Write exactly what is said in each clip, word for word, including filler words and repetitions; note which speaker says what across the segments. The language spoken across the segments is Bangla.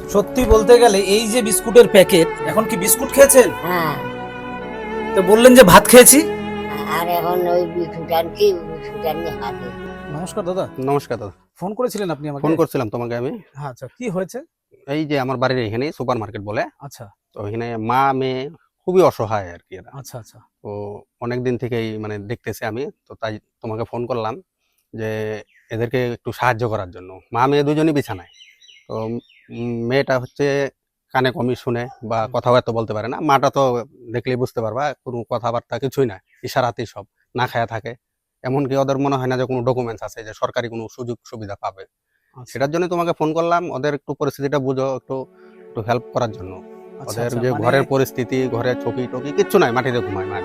Speaker 1: সত্যি বলতে গেলে এই যে বিস্কুটের প্যাকেট, এখন কি বিস্কুট খেয়েছেন?
Speaker 2: হ্যাঁ,
Speaker 1: তো বললেন যে ভাত খেয়েছি।
Speaker 2: আর এখন ওই বিস্কুট আনছি, বিস্কুট আনি হাতে।
Speaker 1: নমস্কার দাদা।
Speaker 3: নমস্কার দাদা।
Speaker 1: ফোন করেছিলেন আপনি আমাকে?
Speaker 3: ফোন করছিলাম তোমাকে আমি।
Speaker 1: হ্যাঁ, আচ্ছা, কি হয়েছে?
Speaker 3: এই যে আমার বাড়ির এখানে সুপার মার্কেট বলে,
Speaker 1: আচ্ছা
Speaker 3: তো এখানে মা মেয়ে খুবই অসহায় আর কি এরা।
Speaker 1: আচ্ছা আচ্ছা
Speaker 3: তো অনেকদিন থেকেই মানে দেখতেছি আমি, তো তাই তোমাকে ফোন করলাম যে এদেরকে একটু সাহায্য করার জন্য। মা মেয়ে দুজনই বিছানায়। তো উম, মেয়েটা হচ্ছে কানে কমই শুনে বা কথাবার্তা বলতে পারে না। মাটা তো দেখলেই বুঝতে পারবা কোনো কথাবার্তা কিছুই না, ইশারাতেই সব, না খায়া থাকে। এমনকি ওদের মনে হয় না যে কোনো ডকুমেন্টস আছে যে সরকারি কোনো সুযোগ সুবিধা পাবে।
Speaker 1: আচ্ছা
Speaker 3: সেটার জন্য তোমাকে ফোন করলাম, ওদের একটু পরিস্থিতিটা বুঝো, একটু একটু হেল্প করার জন্য।
Speaker 1: আচ্ছা
Speaker 3: ওদের
Speaker 1: আচ্ছা,
Speaker 3: যে
Speaker 1: মানে-
Speaker 3: ঘরের পরিস্থিতি, ঘরের চকি টকি কিচ্ছু নাই, মাটিতে ঘুমায় মা।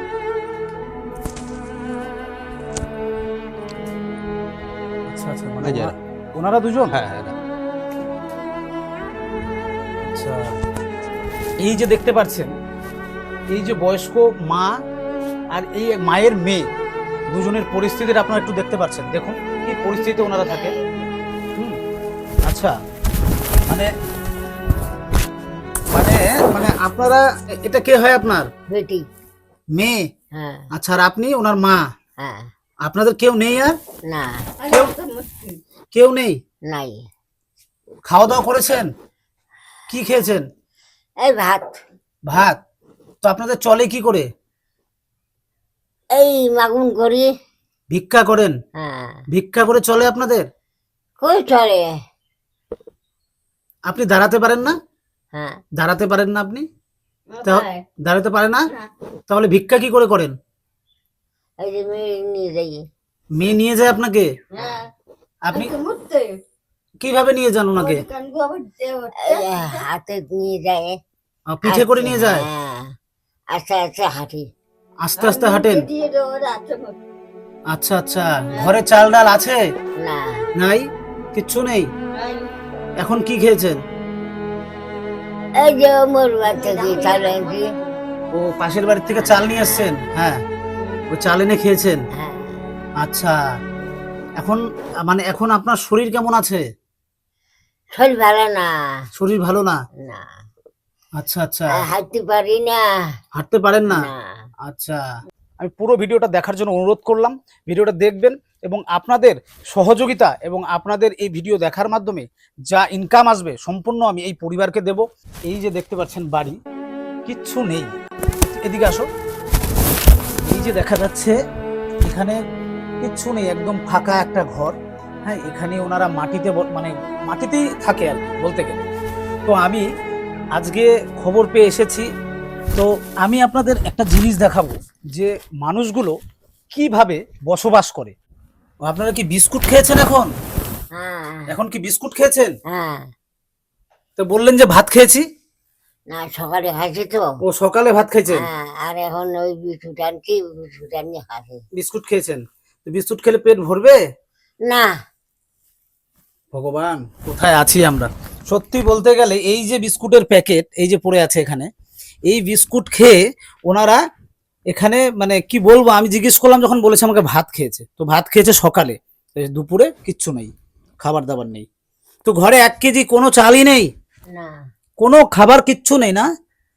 Speaker 1: আচ্ছা আচ্ছা, মানে
Speaker 3: এই যে
Speaker 1: ওনা- ওনারা দুজন?
Speaker 3: হ্যাঁ হ্যাঁ হ্যাঁ।
Speaker 1: আচ্ছা, এই যে দেখতে পাচ্ছেন, এই যে বয়স্ক মা আর এই মায়ের মেয়ে দুজনের পরিস্থিতিটা আপনারা একটু দেখতে পাচ্ছেন। দেখুন কি পরিস্থিতিতে ওনারা থাকে। হুম, আচ্ছা, মানে মানে মানে আপনারা, এটা কে হয় আপনার?
Speaker 2: বেটি।
Speaker 1: মেয়ে?
Speaker 2: হ্যাঁ
Speaker 1: আচ্ছা, আর আপনি ওনার মা?
Speaker 2: হ্যাঁ।
Speaker 1: আপনাদের কেউ নেই? আর
Speaker 2: না,
Speaker 1: কেউ কেউ নেই?
Speaker 2: নাই।
Speaker 1: খাওয়া দাওয়া করেছেন? কি খেয়েছেন?
Speaker 2: এই ভাত,
Speaker 1: ভাত? তো আপনাদের চলে কি করে?
Speaker 2: এই মাগুন করি।
Speaker 1: ভিক্ষা করেন?
Speaker 2: হ্যাঁ,
Speaker 1: ভিক্ষা করে চলে আপনাদের?
Speaker 2: কই চলে।
Speaker 1: আপনি দাঁড়াতে পারেন না?
Speaker 2: হ্যাঁ,
Speaker 1: দাঁড়াতে পারেন না আপনি? তা- দাঁড়াতে পারে না? তাহলে ভিক্ষা কি করে করেন?
Speaker 2: এই যে মেয়ে নিয়ে যাই।
Speaker 1: মেয়ে নিয়ে যায় আপনাকে?
Speaker 2: হ্যাঁ,
Speaker 1: আপনি কিভাবে নিয়ে যান ওনাকে?
Speaker 2: এই যে হাতে নিয়ে যায়।
Speaker 1: আহ, পিঠে করে নিয়ে যায়?
Speaker 2: হ্যাঁ, আস্তে আস্তে হাঁটি।
Speaker 1: আস্তে আস্তে হাঁটেন? আচ্ছা আচ্ছা, ঘরে চাল ডাল আছে?
Speaker 2: না,
Speaker 1: নাই, কিচ্ছু নেই। এখন কি খেয়েছেন?
Speaker 2: এই যে মোর বাচ্চা কি চালে আনছি।
Speaker 1: ও, পাশের বাড়ি থেকে চাল নিয়ে এসেছেন? হ্যাঁ, ওই চাল এনে খেয়েছেন।
Speaker 2: হ্যাঁ,
Speaker 1: আচ্ছা, এখন মানে এখন আপনার শরীর কেমন আছে?
Speaker 2: শরীর ভালো না।
Speaker 1: শরীর ভালো না?
Speaker 2: না,
Speaker 1: আচ্ছা আচ্ছা,
Speaker 2: আর হাঁটতে পারি না।
Speaker 1: হাঁটতে পারেন না?
Speaker 2: না,
Speaker 1: আচ্ছা, আমি পুরো ভিডিওটা দেখার জন্য অনুরোধ করলাম। ভিডিওটা দেখবেন এবং আপনাদের সহযোগিতা এবং আপনাদের এই ভিডিও দেখার মাধ্যমে যা ইনকাম আসবে সম্পূর্ণ আমি এই পরিবারকে দেব। এই যে দেখতে পাচ্ছেন বাড়ি, কিচ্ছু নেই। এদিকে আসো। এই যে দেখা যাচ্ছে এখানে কিচ্ছু নেই, একদম ফাঁকা একটা ঘর। হ্যাঁ, এখানে ওনারা মাটিতে ব- মানে মাটিতেই থাকে আর কি বলতে গেলে। তো আমি আজকে খবর পেয়ে এসেছি। তো আমি আপনাদের একটা জিনিস দেখাবো যে মানুষগুলো কিভাবে বসবাস করে। ও, আপনারা কি বিস্কুট খেয়েছেন এখন?
Speaker 2: হ্যাঁ,
Speaker 1: এখন কি বিস্কুট খেয়েছেন?
Speaker 2: হ্যাঁ।
Speaker 1: তো বললেন যে ভাত খেয়েছি।
Speaker 2: না, সকালে খাইছি তো।
Speaker 1: ও, সকালে ভাত খেয়েছেন?
Speaker 2: হ্যাঁ, আর এখন ওই বিস্কুট আনছি, বিস্কুট আনি খাচ্ছি।
Speaker 1: বিস্কুট খেয়েছেন? তো বিস্কুট খেলে পেট ভরবে?
Speaker 2: না,
Speaker 1: ভগবান, কোথায় আছি আমরা। সত্যি বলতে গেলে এই যে বিস্কুটের প্যাকেট এই যে পড়ে আছে এখানে, এই বিস্কুট খেয়ে ওনারা এখানে মানে কি বলবো, আমি জিজ্ঞেস করলাম যখন বলেছে আমাকে ভাত খেয়েছে। তো ভাত খেয়েছে সকালে, তো দুপুরে কিচ্ছু নেই, খাবার দাবার নেই। তো ঘরে এক কেজি কোনো চালই নেই,
Speaker 2: না,
Speaker 1: কোনো খাবার কিচ্ছু নেই না?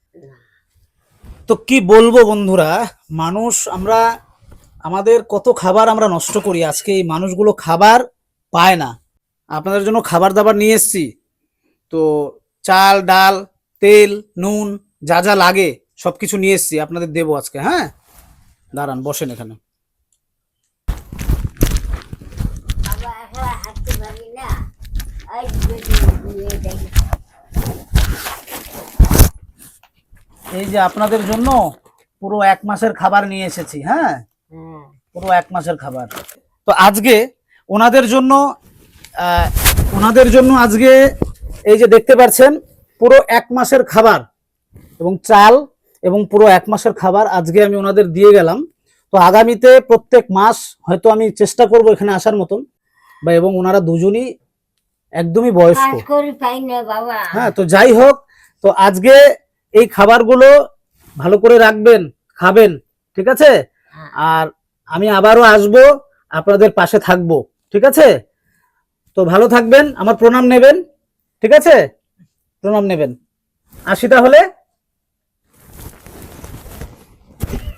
Speaker 1: তো কি বলবো বন্ধুরা, মানুষ আমরা আমাদের কত খাবার আমরা নষ্ট করি, আজকে এই মানুষগুলো খাবার পায় না। আপনাদের জন্য খাবার দাবার নিয়ে এসেছি। তো চাল ডাল তেল নুন যা যা লাগে সব কিছু নিয়ে এসেছি, আপনাদের দেবো আজকে। হ্যাঁ, দাঁড়ান, বসেন এখানে।
Speaker 2: বাবা একলা হাঁটতে পারি না। এই বেটি নিয়ে যাই।
Speaker 1: এই যে আপনাদের জন্য পুরো এক মাসের খাবার নিয়ে এসেছি। হ্যাঁ,
Speaker 2: হ্যাঁ,
Speaker 1: পুরো এক মাসের খাবার। তো আজকে ওনাদের জন্য আহ, ওনাদের জন্য আজকে এই যে দেখতে পাচ্ছেন পুরো এক মাসের খাবার এবং চাল এবং পুরো এক মাসের খাবার আজকে আমি ওনাদের দিয়ে গেলাম। তো আগামীতে প্রত্যেক মাস হয়তো আমি চেষ্টা করব এখানে আসার মতন, বা এবং ওনারা দুজনই একদমই বয়স্ক।
Speaker 2: কাজ করি পাই না বাবা।
Speaker 1: হ্যাঁ, তো যাই হোক, তো আজকে এই খাবারগুলো ভালো করে রাখবেন, খাবেন, ঠিক আছে?
Speaker 2: হ্যাঁ।
Speaker 1: আর আমি আবারও আসব, আপনাদের পাশে থাকবো, ঠিক আছে? তো ভালো থাকবেন, আমার প্রণাম নেবেন, ঠিক আছে? প্রণাম নেবেন। আসি তাহলে।